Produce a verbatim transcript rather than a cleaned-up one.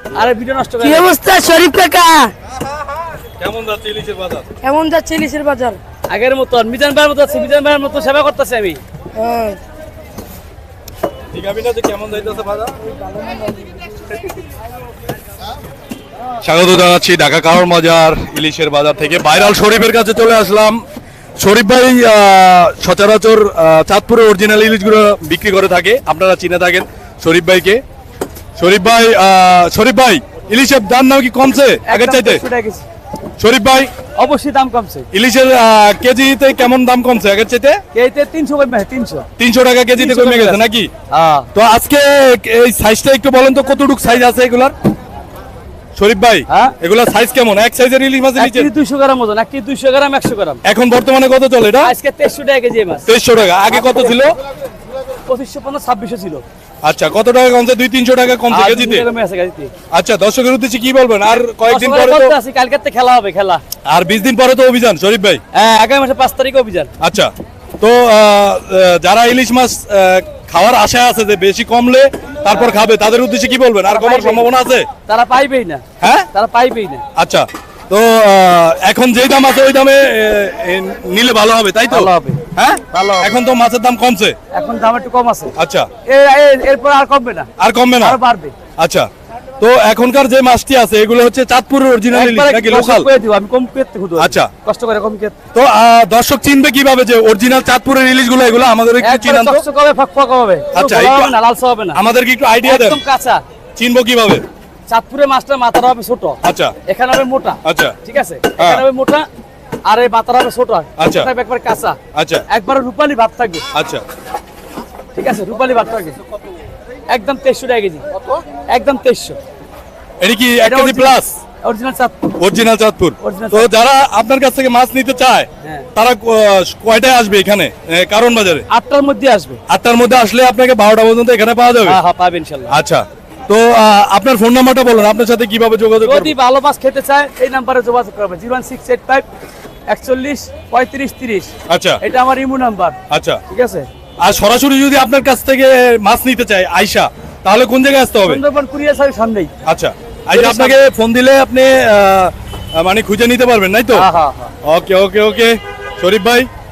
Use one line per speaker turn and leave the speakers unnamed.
আরে ভিডিও নষ্ট করে
কি অবস্থা শরীফ কাকা?
কেমন যাচ্ছে ইলিশের বাজার?
কেমন যাচ্ছে ইলিশের বাজার?
আগের মতো মিজান ভাইয়ের মতো আছে, মিজান ভাইয়ের মতো সেবা করতেছি আমি।
হ্যাঁ।
ঠিক আছে না, যে কেমন যাইতেছে বাজার? স্বাগত জানাচ্ছি ঢাকা কারোর মজার ইলিশের বাজার থেকে। ভাইরাল শরীফের কাছে চলে আসলাম। শরীফ ভাই আহ, সচরাচর আহ, চাঁদপুরের অরিজিনাল ইলিশগুলো বিক্রি করে থাকে, আপনারা চিনে থাকেন শরীফ ভাইকে। শরীফ ভাই আহ, শরীফ ভাই ইলিশের দাম নাম কি কমছে আগের চাইতে? শরীফ ভাই
অবশ্যই দাম কমছে।
ইলিশের আহ, কেজিতে কেমন দাম কমছে আগের চাইতে?
কেজিতে তিনশো কমে, তিনশো
তিনশো টাকা কেজিতে
তিনশো
কমে গেছে
কমে
নাকি?
হ্যাঁ।
তো আজকে এই সাইজটা একটু বলেন তো, কতটুকু সাইজ আছে এগুলার শরীফ ভাই?
হ্যাঁ।
এগুলার সাইজ কেমন? এক সাইজের ইলিশ মাছের
এক
নিচে
কেজি দুইশো গ্রাম ওজন, এক কেজি দুইশো গ্রাম, একশো গ্রাম।
এখন বর্তমানে কত চলে এটা?
আজকে তেইশশো টাকা কেজি মাছ।
তেইশশো টাকা। আগে কত ছিল?
পঁচিশশো পঞ্চাশ ছাব্বিশশো ছিল।
আচ্ছা, কত টাকা কমছে? দুই তিনশো টাকা কমছে
আর
কেজিতে।
দুইশো টাকা কমে আছে কেজিতে।
আচ্ছা, দর্শকের উদ্দেশ্যে কি বলবেন? আর কয়েকদিন
দশ
পরে
টাকা
তো
বলতে আছি, কালকের থেকে খেলা হবে, খেলা।
আর বিশ দিন পরে তো অভিযান শরীফ ভাই।
হ্যাঁ, আগামী মাসে পাঁচ তারিখে অভিযান।
আচ্ছা, তো আহ, আহ, যারা ইলিশ মাছ আহ, খাওয়ার আশায় আছে যে বেশি কমলে তারপর খাবে, তাদের উদ্দেশ্যে কি বলবেন? আর কমার সম্ভাবনা আছে?
তারা পাইবেই না।
হ্যাঁ,
তারা পাইবেই না।
আচ্ছা, তো আহ, এখন যেই দাম আছে ওই দামে আহ, এ, নিলে ভালো হবে, তাই তো?
ভালো হবে।
হ্যাঁ,
ভালো হবে।
এখন তো মাছের দাম কমছে।
এখন দাম একটু কম আছে।
আচ্ছা,
এ- এ- এরপর আর কমবে না,
আর কমবে না?
আরো বাড়বে।
আচ্ছা, তো এখনকার যে মাছটি আছে এগুলো হচ্ছে চাঁদপুরের অরিজিনাল ইলিশ
একবারে
নাকি
কষ্ট
লোকাল?
করে দিব, আমি কম পেতে খুঁজবো।
আচ্ছা।
কষ্ট করে কম পেতে।
তো আহ, দর্শক চিনবে কিভাবে যে অরিজিনাল চাঁদপুরের ইলিশ গুলো এগুলো? আমাদের একটু
একবারে
চিনান তো।
চকচকে হবে, ফকফকে হবে।
আচ্ছা,
কোনো
একটু-
হবে না, লালসা হবে না।
আমাদেরকে একটু আইডিয়া দেন,
একদম কাঁচা।
চিনবো কিভাবে?
চাঁদপুরের মাছটা মাথাটা হবে ছোট,
আচ্ছা,
এখানে হবে মোটা।
আচ্ছা,
ঠিক আছে, এখানে হবে মোটা আর এই মাথাটা হবে ছোট।
আচ্ছা।
এটা হবে একবার কাঁচা,
আচ্ছা,
একবার রূপালি ভাব থাকবে।
আচ্ছা,
ঠিক আছে, রূপালি ভাব থাকবে। একদম তেইশশো টাকা কেজি, একদম তেইশশো।
এটা কি এক KG plus?
Original Chandpur.
Original Chandpur.
Original
তো যারা আপনার কাছ থেকে মাছ নিতে চায়
হ্যাঁ।
তারা আহ, কয়টায় আসবে এখানে এ, কারণ বাজারে?
আটটার মধ্যে আসবে।
আটটার মধ্যে আসলে আপনাকে বারোটা পর্যন্ত এখানে পাওয়া যাবে?
হ্যাঁ হ্যাঁ, পাবেন ইনশাল্লাহ।
আচ্ছা, তো আহ, আপনার ফোন নাম্বারটা বলুন, আপনার সাথে কিভাবে যোগাযোগ
যদি
করব?
ভালো মাছ খেতে চায় এই নাম্বারে যোগাযোগ করবে, zero one six eight five একচল্লিশ পঁয়ত্রিশ তিরিশ।
আচ্ছা,
এটা আমার ইমো নাম্বার।
আচ্ছা।
ঠিক আছে,
আর সরাসরি যদি আপনার কাছ থেকে মাছ নিতে চায় আয়শা, তাহলে কোন জায়গায় আসতে হবে?
সুন্দরবন কুরিয়ার সার্ভিস সামনেই।
আচ্ছা, আইসা আপনাকে ফোন দিলে আপনি আহ, মানে খুঁজে নিতে পারবেন, তাই তো?
হ্যাঁ হ্যাঁ হ্যাঁ।
ওকে ওকে ওকে শরীফ ভাই,